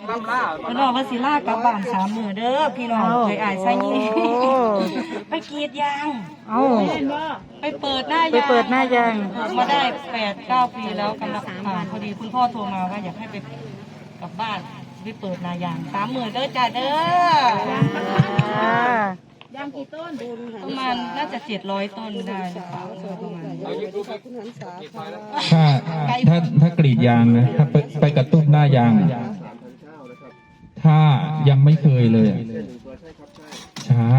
พี่น้องว่าสิลากลับบ้าน3 มื้อเด้อพี่น้องเคยอายใส่ยี่ไปกรีดยางไปเปิดหน้ายางมาได้8-9 ปีแล้วกำลังพอดีคุณพ่อโทรมาว่าอยากให้ไปกลับบ้านไปเปิดนายาง3 มื้อเด้อจ้าเด้อยางกี่ต้นประมาณน่าจะ700 ต้นได้ประมาณถ้ากรีดยางนะถ้าไปกระตุ้นหน้ายางถ้ายังไม่เคยเลยช้า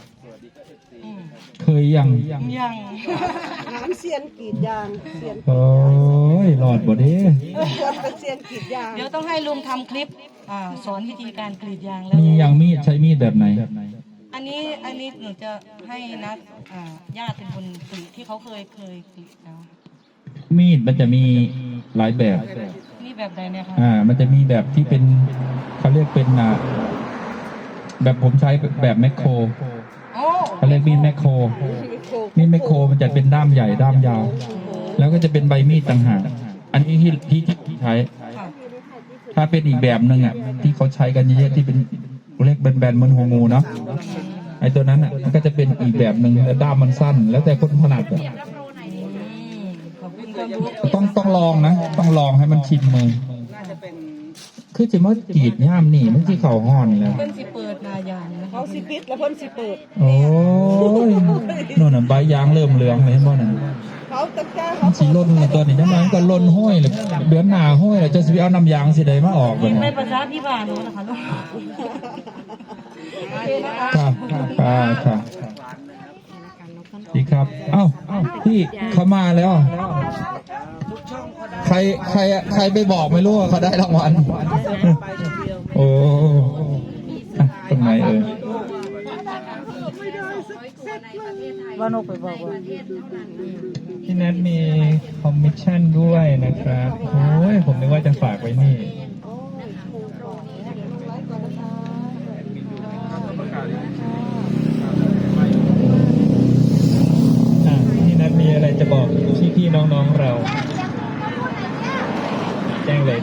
เคยยังน้ำเซียนกรีดยางโอ้ยหลอดบ่เด้เป็นเซียนกรีดยางเดี๋ยวต้องให้ลุงทำคลิปสอนวิธีการกรีดยางแล้วมียางมีดใช้มีดแบบไหนอันนี้หนูจะให้นะญาติเป็นคนกรีดที่เขาเคยกรีดแล้วมีดมันจะมีหลายแบบมีแบบใดเนี่ยคะมันจะมีแบบที่เป็นเขาเรียกเป็นแบบผมใช้แบบแมคโครเขาเรียกมีดแมคโครมันจะเป็นด้ามใหญ่ด้ามยาวแล้วก็จะเป็นใบมีดต่างหากอันนี้ที่ใช้ถ้าเป็นอีกแบบหนึ่งที่เขาใช้กันเยอะๆที่เป็นเรียกแบนๆเหมือนหัวงูเนาะไอ้ตัวนั้นมันก็จะเป็นอีกแบบหนึ่งแต่ด้ามมันสั้นแล้วแต่คนถนัดต้องลองนะต้องลองให้มันชินมือคือจะมาจีดย่ามนี่มันที่เขาห่อนแล้วเพิ่นสิเปิดนายางเขาสิปิดแล้วเพิ่นสิเปิดโอ้ยโน่นใบยางเริ่มเหลืองเลยเห็นบ่นั่นเขาตะแกรงเขาสีล่นตัวนี้นั้นก็ล่นห้อยเลยเดือนหน้าห้อยแล้วจะสิเอาน้ำยางสิได้มาออกเลยไม่ภาษาที่บ้านหนูนะคะลูกครับดีครับเอ้าพี่เขามาแล้วใครไปบอกไม่รู้ว่าเขาได้รางวัลโอ้ตรงไหนว่านกไปบอกว่าพี่นัทมีคอมมิชชั่นด้วยนะครับโอ้ยผมนึกว่าจะฝากไว้นี่พี่นัทมีอะไรจะบอกพี่น้องๆเราแจ้งเลย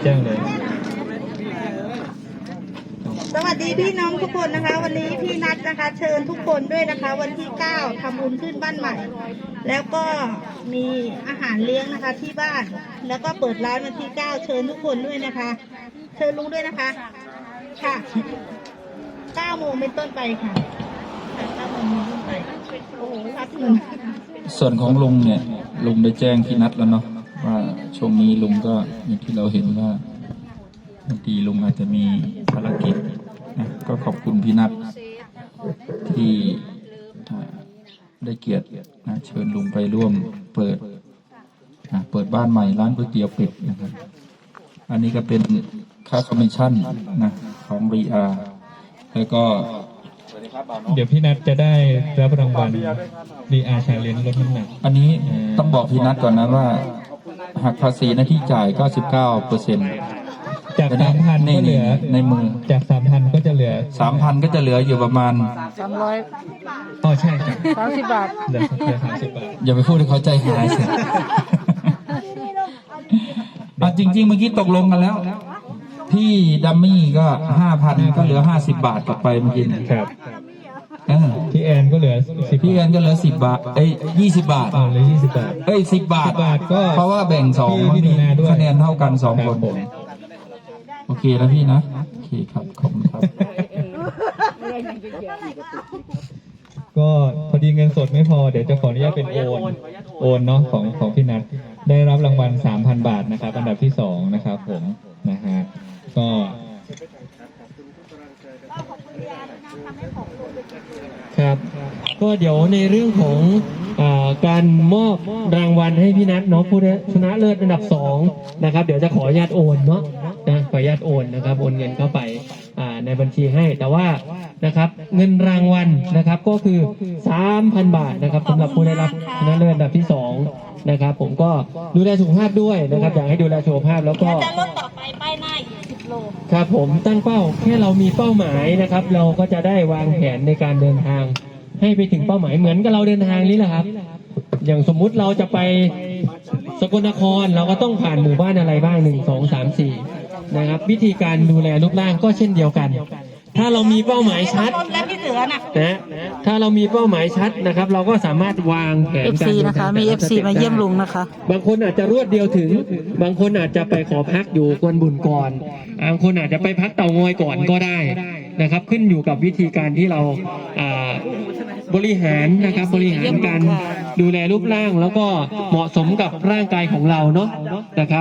สวัสดีพี่น้องทุกคนนะคะวันนี้พี่นัทนะคะเชิญทุกคนด้วยนะคะวันที่9ทำบุญขึ้นบ้านใหม่แล้วก็มีอาหารเลี้ยงนะคะที่บ้านแล้วก็เปิดร้านวันที่9เชิญทุกคนด้วยนะคะเชิญลุงด้วยนะคะค่ะ9 โมงเป็นต้นไปค่ะ9 โมงเป็นต้นไปโอ้โหรับเงินส่วนของลุงเนี่ยลุงได้แจ้งพี่นัทแล้วเนาะว่าช่วงนี้ลุงก็อย่างที่เราเห็นว่าบางทีลุงอาจจะมีภารกิจนะก็ขอบคุณพี่นัทที่ได้เกียรตินะเชิญลุงไปร่วมเปิดบ้านใหม่ร้านก๋วยเตี๋ยวเป็ดนะครับอันนี้ก็เป็นค่าคอมมิชชั่นนะของรีอาแล้วก็เดี๋ยวพี่นัทจะได้รับรางวัลรีอาชาเลนจ์ลดน้ำหนักอันนี้ต้องบอกพี่นัทก่อนนะว่าหักภาษีหน้าที่จ่าย 99%จาก 3,000 ก็เหลือในมือจาก 3,000 ก็จะเหลือ 3,000 ก็จะเหลืออยู่ประมาณ300อ๋อใช่30 บาทเหลือ30 บาทอย่าไปพูดให้เขาใจหายสิจริงๆเมื่อกี้ตกลงกันแล้วพี่ดัมมี่ก็ 5,000 ก็เหลือ50 บาทกลับไปเมื่อกี้ครับพี่แอนก็เหลือ10 บาท20 บาทเหลือ20 บาท10 บาทก็เพราะว่าแบ่ง2มันมีคะแนนเท่ากัน2 คนโอเคแล้วพี่นะโอเคครับขอบคุณครับก็พอดีเงินสดไม่พอเดี๋ยวจะขออนุญาตเป็นโอนเนาะของพี่นัทได้รับรางวัล 3,000 บาทนะครับอันดับที่2นะครับผมนะฮะก็ครับก็เดี๋ยวในเรื่องของการมอบรางวัลให้พี่นัทเนาะผู้ชนะเลิศอันดับ2นะครับเดี๋ยวจะขออนุญาตโอนเนาะขออนุญาตโอนนะครับโอนเงินเข้าไปในบัญชีให้แต่ว่านะครับเงินรางวัลนะครับก็คือ 3,000 บาทนะครับสำหรับผู้ได้รับชนะเลิศอันดับที่2นะครับผมก็ดูแลสุขภาพด้วยนะครับอยากให้ดูแลสุขภาพแล้วก็จะลดต่อไปป้ายหน้าอีก10 โลครับผมตั้งเป้าแค่เรามีเป้าหมายนะครับเราก็จะได้วางแผนในการเดินทางให้ไปถึงเป้าหมายเหมือนกับเราเดินทางนี้แหละครับอย่างสมมุติเราจะไปสกลนครเราก็ต้องผ่านหมู่บ้านอะไรบ้าง1 2 3 4 นะครับวิธีการดูแลรูปร่างก็เช่นเดียวกัน ถ้าเรามีเป้าหมายชัดและพี่เสือน่ะนะถ้าเรามีเป้าหมายชัดนะครับ เราก็สามารถวางแผน FC นะคะมี FC มาเยี่ยมลุงนะคะบางคนอาจจะรวดเดียวถึง บางคนอาจจะไปขอพักอยู่กวนบุญก่อนบางคนอาจจะไปพักเต่างอยก่อนก็ได้นะครับ ขึ้นอยู่กับวิธีการที่เราบริหารนะครับบริหารการดูแลรูปร่างแล้วก็เหมาะสมกับร่างกายของเราเนาะนะครับ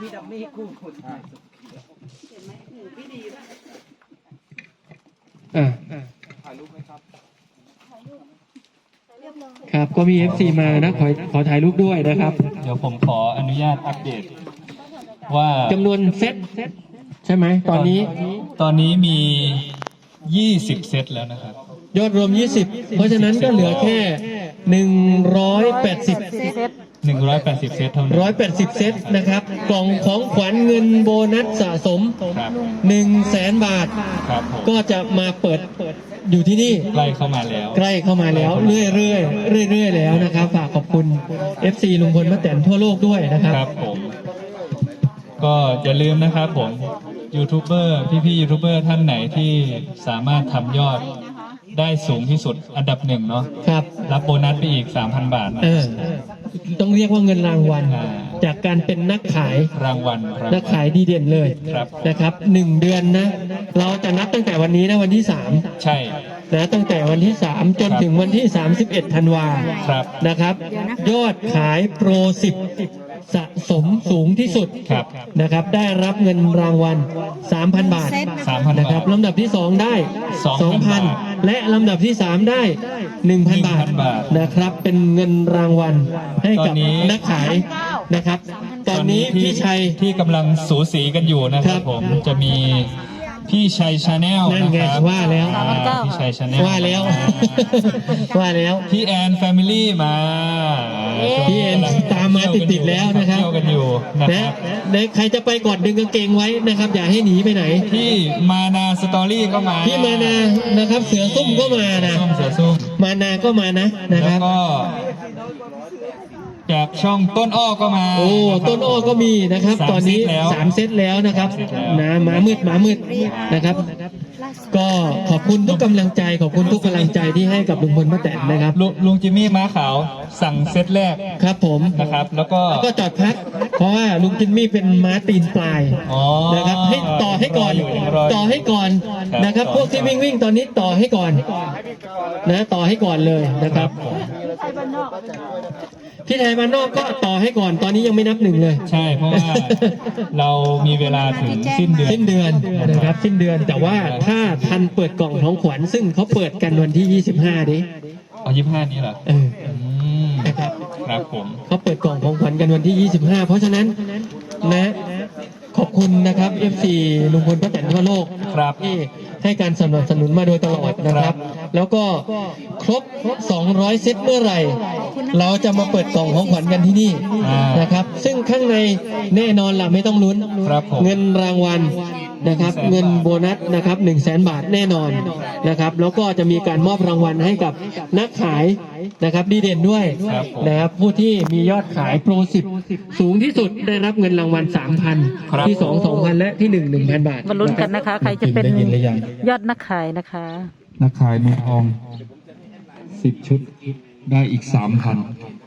ครับก็มี FC มานะขอถ่ายรูปด้วยนะครับเดี๋ยวผมขออนุญาตอัปเดตว่าจำนวนเซตใช่ไหมตอนนี้มี 20 เซตแล้วนะครับยอดรวม 20 เพราะฉะนั้นก็เหลือแค่ 180 180 เซตเท่านั้น 180 เซตนะครับกล่องของขวัญเงินโบนัสสะสมครับ 100,000 บาทครับผมก็จะมาเปิดอยู่ที่นี่ใกล้เข้ามาแล้วใกล้เข้ามาแล้วเรื่อยๆแล้วนะครับฝากขอบคุณ FC ลุงพลป้าแตนทั่วโลกด้วยนะครับครับผม ก็อย่าลืมนะครับผมยูทูบเบอร์พี่ๆยูทูบเบอร์ท่านไหนที่สามารถทำยอดได้สูงที่สุดอันดับหนึ่งเนาะครับรับโบนัสไปอีก 3,000 บาทนะต้องเรียกว่าเงินรางวัลอ่าจากการเป็นนักขายรางวัลนักขายดีเด่นเลยครับนะครับ1 เดือนนะ เราจะนับตั้งแต่วันนี้นะวันที่ใช่ 3นะตั้งแต่วันที่ 3 จนถึงวันที่ 31 ธันวาครับนะครับ ยอดขายโปร 10 สะสมสูงที่สุดครับนะครับ ได้รับเงินรางวัล 3,000 บาท 3,000 นะครับบาทลำดับที่ 2 ได้ 2,000 บาท 2,000 และลำดับที่ 3 ได้ 1,000 บาท 1,000 บาทนะครับ เป็นเงินรางวัลให้กับตอนนี้นักขายนะครับ ตอนนี้พี่ชัยที่กำลังสูสีกันอยู่นะคครัรับบ ผมจะมีพี่ชัยชาแนลนั่นนะไงครับว่าแล้วพี่ชัยชาแนลว่าแล้ว ว่าแล้วพี่แอนแฟมิลี่มาพี่แอนตามมาติดๆแล้วนะครับเที่ยวกันอยู่นะคนะรับใครจะไปก่อนดึงกางเกงไว้นะครับ อย่าให้หนีไปไหนพี่มานาสตอรี่ก็มาพี่มานานะครับ เสือซุ่มก็มานะเสือซุ่มมานาก็มานะนะคแล้รัวบก็จากช่องต้นอ้อก็มาโอ้ต้นอ้อก็มีนะครับ 3 ตอนนี้เซตแล้ว 3 เซตแล้วนะครับ 3 เซตแล้วนะหมามืดนะครับ ก็ขอบคุณทุกกำลังใจขอบคุณทุกกำลังใจที่ให้กับลุงพลป้าแตนนะครับลุงจิมมี่ม้าขาวสั่งเซตแรกครับผมนะครับ แล้วก็ก็จอดพัก เพราะว่าลุงจิมมี่เป็นม้าตีนปลายอ๋อนะครับให้ต่อให้ก่อน ต่อให้ก่อนนะครับ พวกที่วิ่งตอนนี้ต่อให้ก่อนนะต่อให้ก่อนเลยนะครับที่ไทยบ้านนอกก็ต่อให้ก่อนตอนนี้ยังไม่นับ1เลยใช่เพราะว่าเรามีเวลาถึงสิ้นเดือนสิ้นเดือนนะครับสิ้นเดือนแต่ว่าถ้าทันเปิดกล่องของขวัญซึ่งเขาเปิดกันวันที่25นี้เอา25นี้เหรอนะครับครับผมเขาเปิดกล่องของขวัญกันวันที่ 25 เพราะฉะนั้นนะขอบคุณนะครับ FC ลุงพลป้าแตนทั่วโลกครับที่ให้การสนับสนุนมาโดยตลอดนะครับ แล้วก็ครบ 200 เซตเมื่อไหร่ เราจะมาเปิดกล่องของขวัญกันที่นี่นะครับ ซึ่งข้างในแน่นอนล่ะไม่ต้องลุ้นครับผมเงินรางวัลนะครับ เงินโบนัสนะครับ 100,000 บาทแน่นอนนะครับ แล้วก็จะมีการมอบรางวัลให้กับนักขายนะครับดีเด่นด้วยครับผมนะครับผู้ที่มียอดขายโปร 10 สูงที่สุดได้รับเงินรางวัล 3,000 ที่ 2 2,000 และที่ 1 1,000 บาทมาลุ้นกันนะคะ ใครจะเป็นได้ยินหรือยังยอดนักขายนะคะนักขายมือทอง10 ชุดได้อีก 3,000